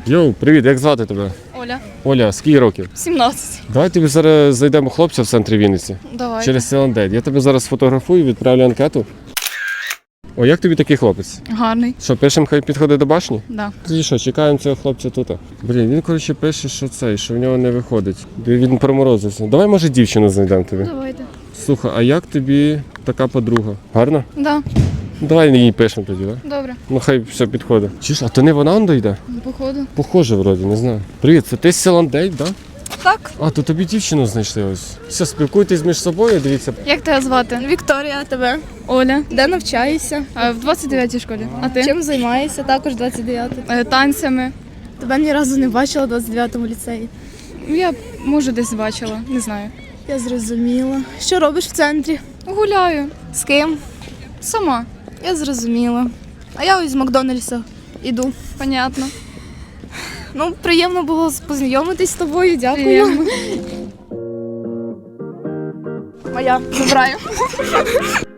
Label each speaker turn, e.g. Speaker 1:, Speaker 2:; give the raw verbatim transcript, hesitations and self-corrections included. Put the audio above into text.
Speaker 1: Йоу, привіт, як звати тебе?
Speaker 2: Оля.
Speaker 1: Оля, скільки років?
Speaker 2: сімнадцять.
Speaker 1: Давай тобі зараз зайдемо хлопця в центрі Вінниці.
Speaker 2: Давай.
Speaker 1: Через Селандейт. Я тебе зараз сфотографую, відправлю анкету. О, як тобі такий хлопець?
Speaker 2: Гарний.
Speaker 1: Що, пишемо, хай підходить до башні?
Speaker 2: Да.
Speaker 1: Тоді що, чекаємо цього хлопця тут. Блін, він, коротше, пише, що цей, що в нього не виходить. Він проморозився. Давай, може, дівчину знайдемо тобі.
Speaker 2: Давайте.
Speaker 1: Слухай, а як тобі така подруга? Гарна?
Speaker 2: Да.
Speaker 1: Давай їй пишемо тоді, так?
Speaker 2: Добре.
Speaker 1: Ну хай все підходить. Чи ж, а то не вона он дойде?
Speaker 2: Походу.
Speaker 1: Похоже, вроді, не знаю. Привіт, це ти з Селандейт, так? Да?
Speaker 2: Так.
Speaker 1: А, то тобі дівчину знайшли ось. Все, спілкуйтесь між собою, дивіться.
Speaker 2: Як тебе звати?
Speaker 3: Вікторія, а тебе?
Speaker 2: Оля.
Speaker 3: Де навчаєшся?
Speaker 2: Е, В двадцять дев'ятій школі. А ти?
Speaker 3: Чим займаєшся? Також двадцять дев'ятий.
Speaker 2: Е, Танцями.
Speaker 3: Тебе ні разу не бачила в двадцять дев'ятому ліцеї.
Speaker 2: Я, може, десь бачила, не знаю.
Speaker 3: Я зрозуміла. Що робиш в центрі?
Speaker 2: Гуляю.
Speaker 3: З ким?
Speaker 2: Сама.
Speaker 3: Я зрозуміла. А я ось з Макдональдса іду.
Speaker 2: Понятно.
Speaker 3: Ну, приємно було познайомитись з тобою, дякую.
Speaker 2: Приємно.
Speaker 3: Моя, забираю.